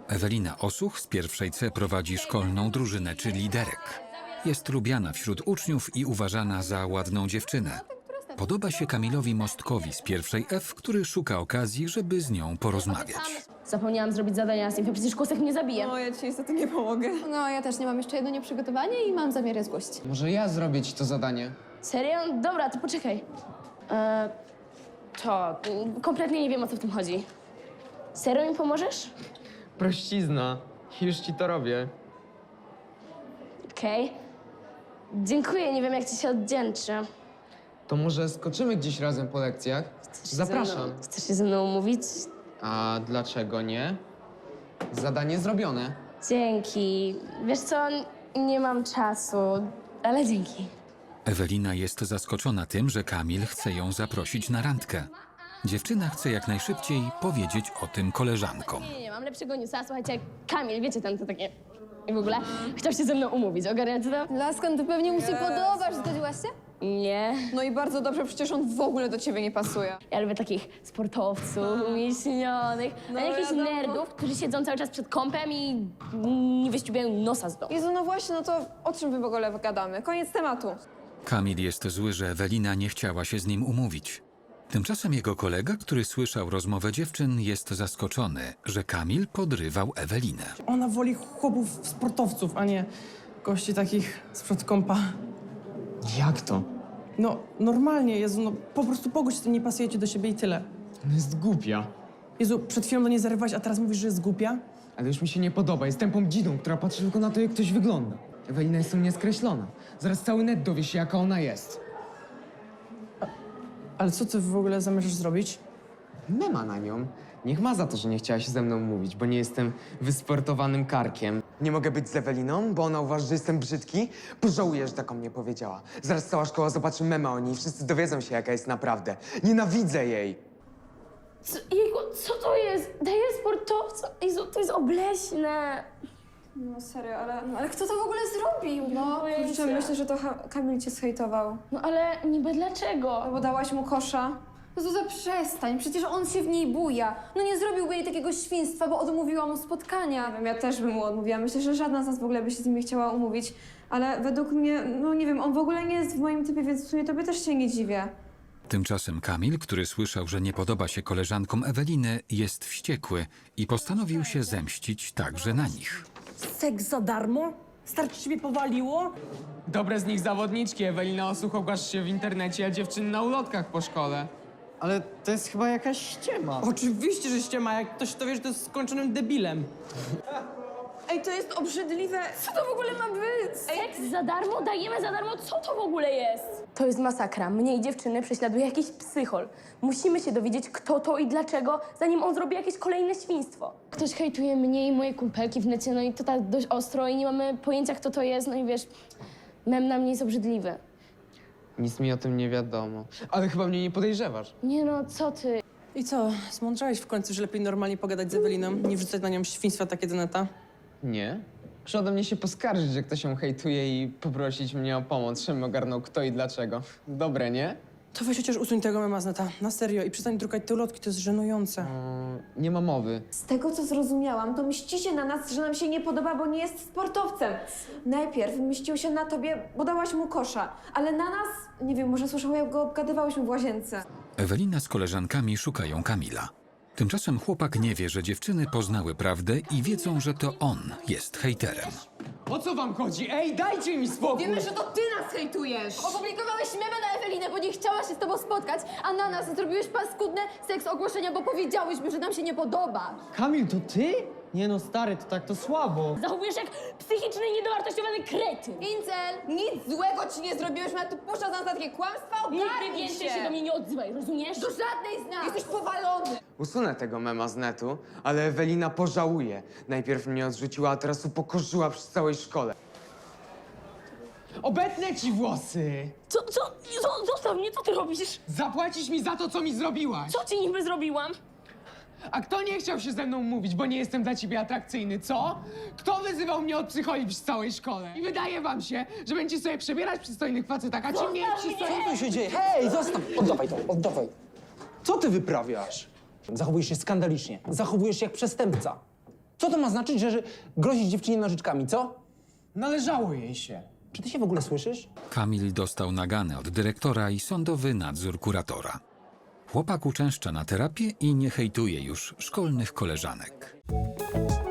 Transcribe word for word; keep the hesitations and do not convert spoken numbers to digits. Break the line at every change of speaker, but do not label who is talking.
Ewelina Osuch z pierwszej C prowadzi szkolną drużynę czy liderek. Jest lubiana wśród uczniów i uważana za ładną dziewczynę. Podoba się Kamilowi Mostkowi z pierwszej F, który szuka okazji, żeby z nią porozmawiać.
Zapomniałam zrobić zadania z nim, przecież kłosek mnie zabije.
No, ja ci niestety nie pomogę.
No, ja też nie mam jeszcze jedno nieprzygotowanie i mam zamiar je zgłosić.
Może ja zrobię ci to zadanie?
Serio? Dobra, to poczekaj. E, to, mm, kompletnie nie wiem, o co w tym chodzi. Serio mi pomożesz?
Prościzna. Już ci to robię.
Okej. Dziękuję, nie wiem, jak ci się oddzięczę.
To może skoczymy gdzieś razem po lekcjach?
Chcesz się
Zapraszam.
ze mną- Chcesz się ze mną umówić?
A dlaczego nie? Zadanie zrobione.
Dzięki. Wiesz co, nie mam czasu, ale dzięki.
Ewelina jest zaskoczona tym, że Kamil chce ją zaprosić na randkę. Dziewczyna chce jak najszybciej powiedzieć o tym koleżankom.
Nie, nie, mam lepszego newsa. Słuchajcie, Kamil, wiecie, ten to takie... I w ogóle chciał się ze mną umówić. Ogarniacie to?
Lasko, no to pewnie mu się podobasz. Zgodziłaś się?
Nie.
No i bardzo dobrze, przecież on w ogóle do ciebie nie pasuje.
Ja lubię takich sportowców, umieśnionych,
No
a nie jakichś
wiadomo.
nerdów, którzy siedzą cały czas przed kąpem i nie wyściubiają nosa z domu.
Jezu, no właśnie, no to o czym my w ogóle gadamy? Koniec tematu.
Kamil jest zły, że Ewelina nie chciała się z nim umówić. Tymczasem jego kolega, który słyszał rozmowę dziewczyn, jest zaskoczony, że Kamil podrywał Ewelinę.
Ona woli chłopów sportowców, a nie gości takich sprzed kąpa.
Jak to?
No, normalnie, Jezu, no po prostu pogódź się, to nie pasujecie do siebie i tyle.
Ona jest głupia.
Jezu, przed chwilą do niej zarywałaś, a teraz mówisz, że jest głupia?
Ale już mi się nie podoba. Jest tępą dzidą, która patrzy tylko na to, jak ktoś wygląda. Ewelina jest u mnie skreślona. Zaraz cały net dowie się, jaka ona jest.
Ale co ty w ogóle zamierzasz zrobić?
Mema na nią. Niech ma za to, że nie chciała się ze mną mówić, bo nie jestem wysportowanym karkiem.
Nie mogę być z Eweliną, bo ona uważa, że jestem brzydki? Pożałuję, że tak o mnie powiedziała. Zaraz cała szkoła zobaczy mema o niej i wszyscy dowiedzą się, jaka jest naprawdę. Nienawidzę jej!
Co, jejku, co to jest? Daję sportowcom? Jezu, to jest obleśne.
No serio, ale...
No, ale kto to w ogóle zrobił? No,
Kurczę, myślę, że to ha- Kamil cię zhejtował.
No ale niby dlaczego?
Albo dałaś mu kosza.
no Zuza, przestań, przecież on się w niej buja. No nie zrobiłby jej takiego świństwa, bo odmówiła mu spotkania.
Nie wiem, ja też bym mu odmówiła. Myślę, że żadna z nas w ogóle by się z nim nie chciała umówić. Ale według mnie, no nie wiem, on w ogóle nie jest w moim typie, więc w sumie tobie też się nie dziwię.
Tymczasem Kamil, który słyszał, że nie podoba się koleżankom Eweliny, jest wściekły i postanowił się zemścić także na nich.
Seks za darmo? Starczy ciebie powaliło?
Dobre z nich zawodniczki. Ewelina Osuch ogłasz się w internecie, a dziewczyny na ulotkach po szkole.
Ale to jest chyba jakaś ściema.
Oczywiście, że ściema, jak ktoś to wie, że to jest skończonym debilem.
Ej, to jest obrzydliwe.
Co to w ogóle ma być? Seks za darmo? Dajemy za darmo? Co to w ogóle jest? To jest masakra. Mnie i dziewczyny prześladuje jakiś psychol. Musimy się dowiedzieć, kto to i dlaczego, zanim on zrobi jakieś kolejne świństwo. Ktoś hejtuje mnie i moje kumpelki w necie, no i to tak dość ostro i nie mamy pojęcia, kto to jest, no i wiesz, mem na mnie jest obrzydliwy.
Nic mi o tym nie wiadomo. Ale chyba mnie nie podejrzewasz.
Nie no, co ty?
I co, zmądrzałeś w końcu, że lepiej normalnie pogadać z Eweliną, nie wrzucać na nią świństwa takie do neta?
Nie. Muszę ode mnie się poskarżyć, że ktoś ją hejtuje i poprosić mnie o pomoc, żebym ogarnął kto i dlaczego. Dobre, nie?
To weź chociaż usuń tego mema z neta, na serio, i przestań drukać te ulotki, to jest żenujące.
Mm, nie ma mowy.
Z tego, co zrozumiałam, to mścicie na nas, że nam się nie podoba, bo nie jest sportowcem. Najpierw mścił się na tobie, bo dałaś mu kosza, ale na nas, nie wiem, może słyszał, jak go obgadywałyśmy w łazience.
Ewelina z koleżankami szukają Kamila. Tymczasem chłopak nie wie, że dziewczyny poznały prawdę i wiedzą, że to on jest hejterem.
O co wam chodzi? Ej, dajcie mi spokój!
Wiemy, że to ty nas hejtujesz! Opublikowałeś memy na Ewelinę, bo nie chciała się z tobą spotkać, a na nas zrobiłeś paskudne seks ogłoszenia, bo powiedziałyśmy, że nam się nie podoba.
Kamil, to ty? Nie no, stary, to tak to słabo.
Zachowujesz jak psychiczny i niedowartościowany kretyn.
Incel, nic złego ci nie zrobiłyśmy, a tu puszczasz nas na takie kłamstwa,
Nigdy
ogarnij
więcej
się!
się do mnie nie odzywaj, rozumiesz?
Do żadnej z nas! Jesteś powalony!
Usunę tego mema z netu, ale Ewelina pożałuje. Najpierw mnie odrzuciła, a teraz upokorzyła przy całej szkole.
Obetnę ci włosy!
Co, co, co, zostaw mnie, co ty robisz?
Zapłacisz mi za to, co mi zrobiłaś!
Co ci niby zrobiłam?
A kto nie chciał się ze mną mówić, bo nie jestem dla ciebie atrakcyjny, co? Kto wyzywał mnie od psycholi w całej szkole? I wydaje wam się, że będziecie sobie przebierać przystojnych facetach, a ci mniej przystojnych...
Co tu się dzieje? Hej, zostaw! Oddawaj to, oddawaj. Co ty wyprawiasz? Zachowujesz się skandalicznie. Zachowujesz się jak przestępca.
Co to ma znaczyć, że, że grozisz dziewczynie nożyczkami, co?
Należało jej się.
Czy ty się w ogóle słyszysz?
Kamil dostał nagany od dyrektora i sądowy nadzór kuratora. Chłopak uczęszcza na terapię i nie hejtuje już szkolnych koleżanek.